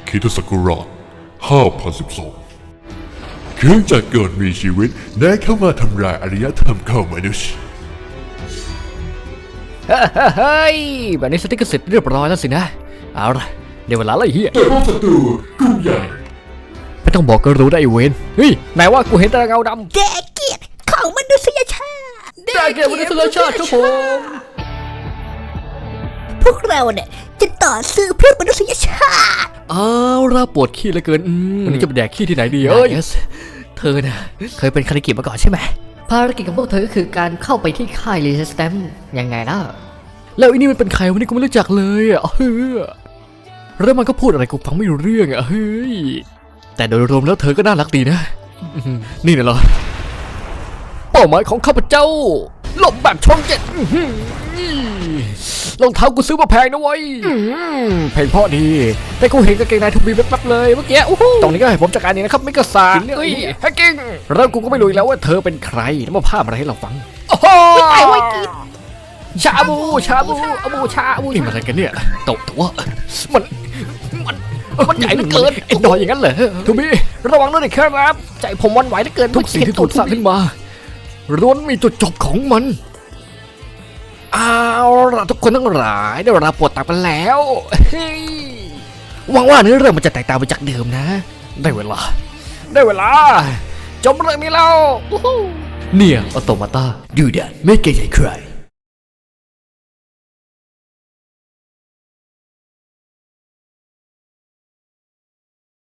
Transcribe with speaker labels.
Speaker 1: คริสตศักราช5012เครื่องจักรกรมีชีวิตได้เข้ามาทำลายอารยธรรมของมนุษย์
Speaker 2: เฮ้ยแบบนี้สติ๊กเกอร์เสร็จเรียบร้อยแล้วสินะเอาละเดี๋ยวเวลาไล่เฮีย
Speaker 1: แต่พวกศัตรูกลุ่มใหญ่
Speaker 2: ไม่ต้องบอกก็รู้ได้ไอ้เวนเฮ้ยไหนว่ากูเห็นแต่เงาดำ
Speaker 3: แกเกียรติของมนุษยชาติ
Speaker 2: ได้แก่มนุษยชาติครับผม
Speaker 3: พวกเราเนี่ยจะต่อสู้เพื่อมนุษยชาติ
Speaker 2: เอาละปวดขี้เหลือเกินวันนี้จะไปแดกขี้ที่ไหนดีเธอน่ะเคยเป็นคาริกิมาก่อนใช่ไหมภารกิจของพวกเธอก็คือการเข้าไปที่ค่ายรีเซสแตมยังไงล่ะแล้วอันนี้มันเป็นใครวันนี้กูไม่รู้จักเลยอ่ะเฮ้ยแล้วมันก็พูดอะไรกูฟังไม่รู้เรื่องอ่ะเฮ้ยแต่โดยรวมแล้วเธอก็น่ารักดีนะนี่น่ะเหรอเป้าหมายของข้าพเจ้าหลบแบบช่องเจ็ดรองเท้ากูซื้อมาแพงนะเว้ยแพงเพราะดีแต่กูเห็นกางเกงในทูบีแป๊บๆเลยเมื่อกี้ตรงนี้ก็ให้ผมจัดการเองนะครับไม่กระสานเฮ้ยแฮกกิ้งแล้วกูก็ไม่รู้อีกแล้วว่าเธอเป็นใครแล้วมาภาพอะไรให้เราฟังโอ้โห
Speaker 3: ไอ้ไว้กิน
Speaker 2: ชาบูชาบูนี่มันอะไรกันเนี่ยโตตัวมันใหญ่เหลือเกินไอ้ดอยอย่างนั้นเหรอทูบีระวังด้วยนะครับใจผมวันไหวเหลือเกินทุกสิ่งที่ถูกสร้างขึ้นมาล้วนมีจุดจบของมันเอาล่ะทุกคนทั้งหลายได้เวลาปวดตับกันแล้วเฮ้ยหวังว่าเนื้อเรื่องมันจะแตกต่างไปจากเดิมนะได้เวลาจบเรื่องนี้แล้วเนี่ยออโตมาตาดูดันไม่เกรงใจใคร